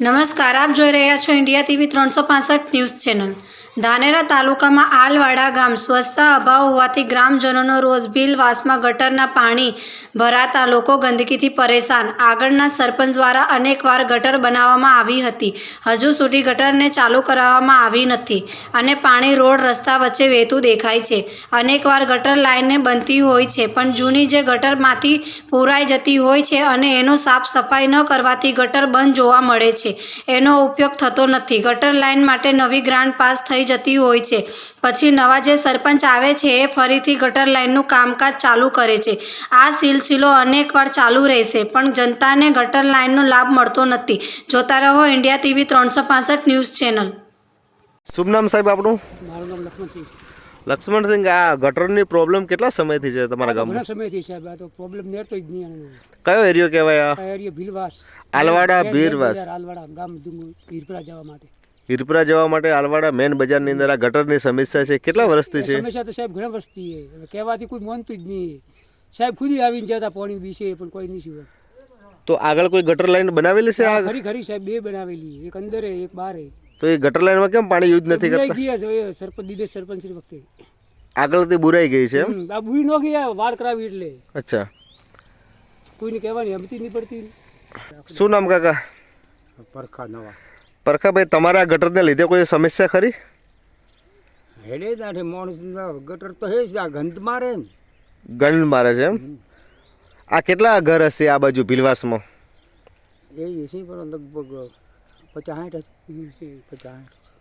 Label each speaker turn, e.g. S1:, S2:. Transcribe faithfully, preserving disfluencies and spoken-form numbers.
S1: નમસ્કાર, આપ જોઈ રહ્યા છો ઇન્ડિયા ટીવી ત્રણસો પાસઠ ન્યૂઝ ચેનલ। ધાનેરા તાલુકામાં આલવાડા ગામ સ્વચ્છતા અભાવ હોવાથી ગ્રામજનોનો રોજ બિલવાસમાં ગટરના પાણી ભરાતા લોકો ગંદકીથી પરેશાન। આગળના સરપંચ દ્વારા અનેકવાર ગટર બનાવવામાં આવી હતી, હજુ સુધી ગટરને ચાલુ કરાવવામાં આવી નથી અને પાણી રોડ રસ્તા વચ્ચે વહેતું દેખાય છે। અનેકવાર ગટર લાઇનને બનતી હોય છે, પણ જૂની જે ગટરમાંથી પુરાઈ જતી હોય છે અને એનો સાફ સફાઈ ન કરવાથી ગટર બંધ જોવા મળે છે। એનો ઉપયોગ થતો નથી। ગટર લાઇન માટે નવી ગ્રાન્ટ પાસ થઈ જતી હોય છે, પછી નવા જે સરપંચ આવે છે એ ફરીથી ગટર લાઇનનું કામકાજ ચાલુ કરે છે। આ સિલસિલો અનેકવાર ચાલુ રહેશે, પણ જનતાને ગટર લાઇનનો લાભ મળતો નથી। જોતા રહો ઇન્ડિયા ટીવી ત્રણસો પાસઠ ન્યૂઝ ચેનલ।
S2: શુભ નામ સાહેબ આપનું?
S3: મારું નામ લક્ષ્મણસિંહ।
S2: લક્ષ્મણસિંહ, આ ગટરની પ્રોબ્લેમ કેટલા સમયથી છે તમારા ગામમાં?
S3: ઘણા સમયથી સાહેબ આ તો પ્રોબ્લેમ નેરતો જ નહીં આનો।
S2: કયો એરિયો કહેવાય આ?
S3: આ એરિયા ભીલવાસ,
S2: આલવાડા
S3: મેન
S2: ભીરવાસ,
S3: બજાર, આલવાડા ગામ ડુંગર હીરપરા જવા માટે
S2: હીરપરા જવા માટે આલવાડા મેન બજારની અંદર આ ગટરની સમસ્યા છે। કેટલા વર્ષથી છે
S3: સમસ્યા? તો સાહેબ ઘણા વર્ષથી છે, હવે કહેવાથી કોઈ માનતું જ નહીં સાહેબ। ખુદ આવીને જતા પાણી વિશે પણ કોઈ નહીં શું।
S2: તો આગળ કોઈ ગટર લાઈન બનાવેલી છે? આ
S3: ખરી ખરી સાહેબ, બે બનાવેલી, એક અંદર એક બહાર।
S2: તો એ ગટર લાઈનમાં કેમ પાણી યુઝ નથી કરતા?
S3: ગયા છે સરપંચ દીધે સરપંચ વખતે
S2: આગળથી બુરાઈ ગઈ છે એમ?
S3: આ બુરી ન ગયા વાળ કરાવી એટલે
S2: અચ્છા,
S3: કોઈને કહેવાની હમતી નહીં પડતી।
S2: શું નામ કાકા?
S4: પરખા નવા
S2: પરખાભાઈ, તમારા ગટરને લીધે કોઈ સમસ્યા ખરી?
S4: હેડે તાઠે માણસ ગટર તો હે જ, આ ગંધ મારે ને
S2: ગંધ મારે છે એમ? આ કેટલા ઘર હશે આ બાજુ ભીલવાસમાં?
S4: એ છે પણ લગભગ પચાસ સાઠ હશે, પચાસ સાઠ।